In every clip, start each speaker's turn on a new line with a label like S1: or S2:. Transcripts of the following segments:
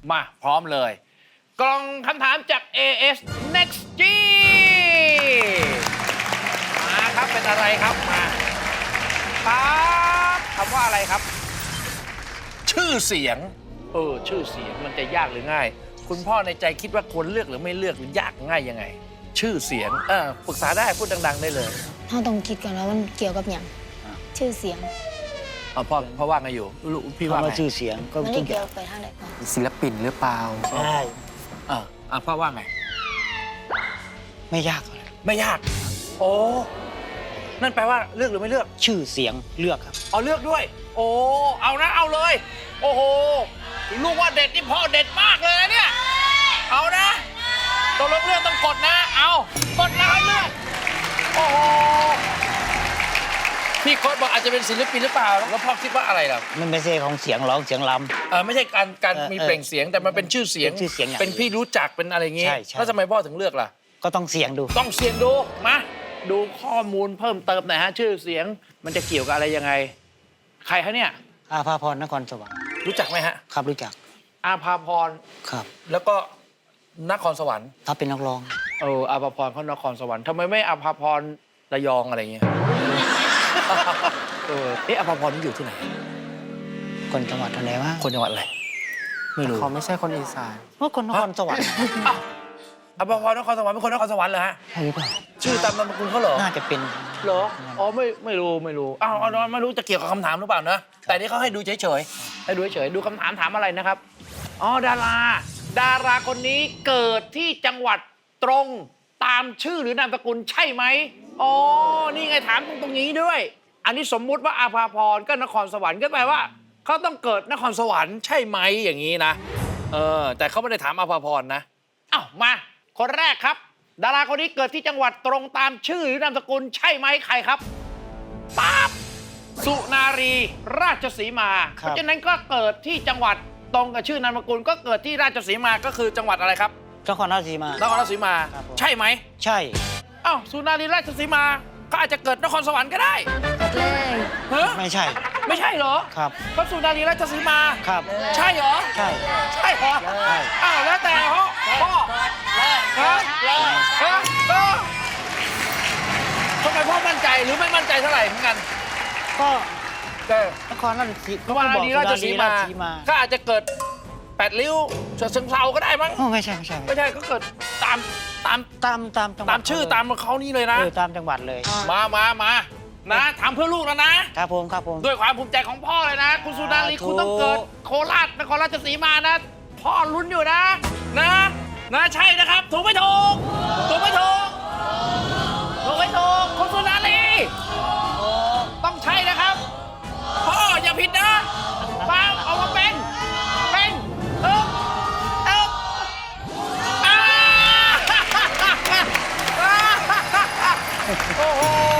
S1: มาพร้อมเลย กล่องคำถามจาก AS Next G มาครับเป็นอะไรครับมาครับคำว่าอะไรครับ ชื่อเสียงชื่อเสียงมันจะยากหรือง่าย คุณพ่อในใจคิดว่าควรเลือกหรือไม่เลือกหรือยากง่ายยังไง ชื่อเสียงปรึกษาได้พูดดังๆได้เลย
S2: เราต้องคิดก่อนว่ามันเกี่ยวกับอย่างชื่อเสียง
S1: พ่อว่าไงอยู่ลูกพี่ว่า
S3: คำ
S1: ไง
S3: ว่าชื่อเสียงก็
S2: มัน
S3: ทุ
S2: ไม่
S3: กอ
S2: เกี่ย
S3: ย่าว ง
S2: ไปทางไหนก่อน
S4: ศิลปินหรือเปล่า
S3: ใช่
S1: พ่อว่าไง
S3: ไม่ยากเลย
S1: ไม่ยาก โอ้นั่นแปลว่าเลือกหรือไม่เลือก
S3: ชื่อเสียงเลือกครับ
S1: เอาเลือกด้วย โอ้เอานะเอาเลย โอ้โหลูกว่าเด็ดนี่พ่อเด็ดมากเลยนะเนี่ยเอานะตกลงเลือกต้องกดนะเอากดแล้วเลือกโอ้โหพี่โค้ดบอกอาจจะเป็นศิลปินหรือเปล่าแล้วพ่อคิดว่าอะไรล่ะ
S3: มันไม่ใช่ของเสียงร้องเสียงล
S1: ไม่ใช่การมีเปล่งเสียงแต่มันเป็นชื่อเสียง
S3: เป็นชื่อเสียงอย่าง
S1: เป็นพี่รู้จักเป็นอะไรเงี้ย
S3: ใช่ใช่
S1: แล้วทำไมพ่อถึงเลือกล่ะ
S3: ำก็ต้องเสียงดู
S1: ต้องเสียงดูมาดูข้อมูลเพิ่มเติมหน่อยฮะชื่อเสียงมันจะเกี่ยวกับอะไรยังไง ใครคะเนี่ย
S3: อาภาพรนครสวรรค์
S1: รู้จักไหมฮะ
S3: ครับรู้จัก
S1: อาภาพร
S3: ครับ
S1: แล้วก็นครสวรรค์
S3: ถ้าเป็นนักร้อง
S1: อาภาพรเขานครสวรรค์ทำไมไม่อาภาพรระยองอะไรเงี้ย อาภาพรนี่อยู่ที่ไหน
S3: คนจังหวัดอะไรวะ
S1: คนจังหวัดอะไรไม่รู้
S4: เขาไม่ใช่คนอีสาน
S3: ว่าคนนครสวรรค์
S1: อ้าวอาภาพรนครสวรรค์เป็นคนนครสวรรค์เหรอฮะ
S3: ใช่หรือเปล่า
S1: ชื่อตามนามสกุลเขาเหรอ
S3: น่าจะเป็น
S1: เหรออ๋อไม่รู้อ้าวไม่รู้จะเกี่ยวกับคำถามหรือเปล่านะแต่นี่เขาให้ดูเฉยๆให้ดูเฉยๆดูคำถามถามอะไรนะครับอ๋อดาราคนนี้เกิดที่จังหวัดตรงตามชื่อหรือนามสกุลใช่ไหมอ๋อนี่ไงถามตรงนี้ด้วย อันนี้สมมุติว่าอาภาพรก็นครสวรรค์ก็แปลว่าเขาต้องเกิดนครสวรรค์ใช่ไหมอย่างนี้นะแต่เขาไม่ได้ถามอาภาพรนะอ้าวมาคนแรกครับ ดาราคนนี้เกิดที่จังหวัดตรงตามชื่อหรือนามสกุลใช่ไหมใครครับปั๊บสุนารีราชสีมา เพราะฉะนั้นก็เกิดที่จังหวัดตรงกับชื่อนามสกุลก็เกิดที่ราชสีมาก็คือจังหวัดอะไรครับ
S3: นครราชสีมาน
S1: ครราชสีมา
S3: ครับผม
S1: ใช่ไหม
S3: ใช่
S1: อ้าวสุนารีราชสีมาก็อาจจะเกิดนครสวรรค์ก็ได้
S2: เลย
S1: เฮ้
S3: ไม่ใช่
S1: ไม่ใช่เหรอ
S3: ครับ
S1: ก็สุนารีราชสีมา
S3: ครับ
S1: ใช่เหรอ
S3: ใช่
S1: ใช่เหรอ
S3: ใช่
S1: อ้าวแล้วแต่พ่อทำไมพ่อมั่นใจหรือไม่มั่นใจเท่าไหร่เหมือนกัน
S3: ก็
S1: ก็
S3: นครราชสี
S1: ก็ว่าดีราชสีมา
S3: สุนรีรชสีมา
S1: ก็อาจจะเกิด8 ริ้วเชิงเซาก็ได้มั้ง
S3: โอ้ไม่ใช่
S1: ไม่ใช่ก็เกิดตาม
S3: ตามจังหวัด
S1: ตามชื่อตามเขานี่เลยนะ
S3: ตามจังหวัดเลย
S1: มานะทำเพื่อลูกแล้วนะ
S3: ครับผมครับผม
S1: ด้วยความภูมิใจของพ่อเลยนะ คุณสุนารี
S3: สาธุ
S1: คุณต้องเกิดโคราชนครราชสีมานะ พ่อลุ้นอยู่นะใช่นะครับ ถูกไม่ถูกคุณสุนารีต้องใช่นะครับพ่ออย่าผิดนะฟังเอามาเป็นอ่า โอ้โห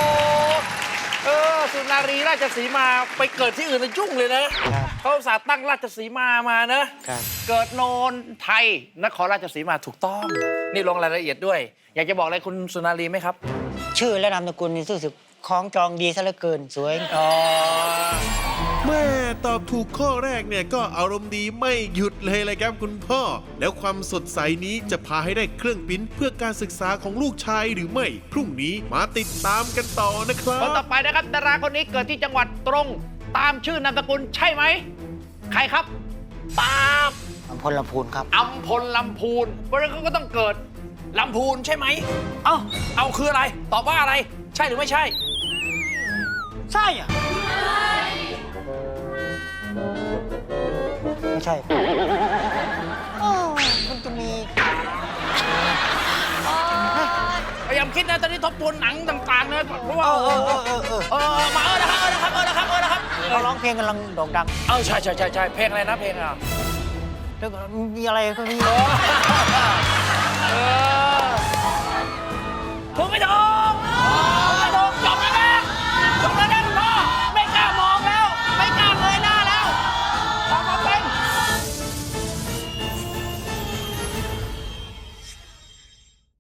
S1: สุนารีราชสีมาไปเกิดที่อื่นนะยุ่งเลยนะเขาอุตส่าห์ตั้งราชสีมานะ
S3: ครับ
S1: เกิดโนนไทยนครราชสีมาถูกต้อง นี่ลงรายละเอียดด้วย อยากจะบอกอะไรคุณสุนารีไหมครับ
S3: ชื่อและนามสกุลนี่รู้สึกคล้องจองดีซะเหลือเกินสวย
S5: แม่ตอบถูกข้อแรกเนี่ยก็อารมณ์ดีไม่หยุดเลยเลยครับคุณพ่อ แล้วความสดใสนี้จะพาให้ได้เครื่องปริ้นเพื่อการศึกษาของลูกชายหรือไม่ พรุ่งนี้มาติดตามกันต่อนะครั
S1: คนต่อบ ไปนะครับดาราคนนี้เกิดที่จังหวัดตรงตามชื่อนามสกุลใช่ไหมใครครับป๊าบ
S3: อำพลลำพูนครับ
S1: อัมพลลำพูนเพราะฉะนั้นเขาก็ต้องเกิดลำพูนใช่ไหมเอาคืออะไรตอบว่าอะไร ใช่หรือไม่ใช่
S3: ใช่อะไม่ใช่มันจะมี
S1: พยายามคิดนะตอนนี้ทบทวนหนังต่างๆนะเพราะว่ามานะครับ
S3: เขาร้องเพลงกำลังโด่งดัง
S1: ใช่เพลงอะไรนะเพลงอ่ะ
S3: แล้วก็มีอะไรก็มี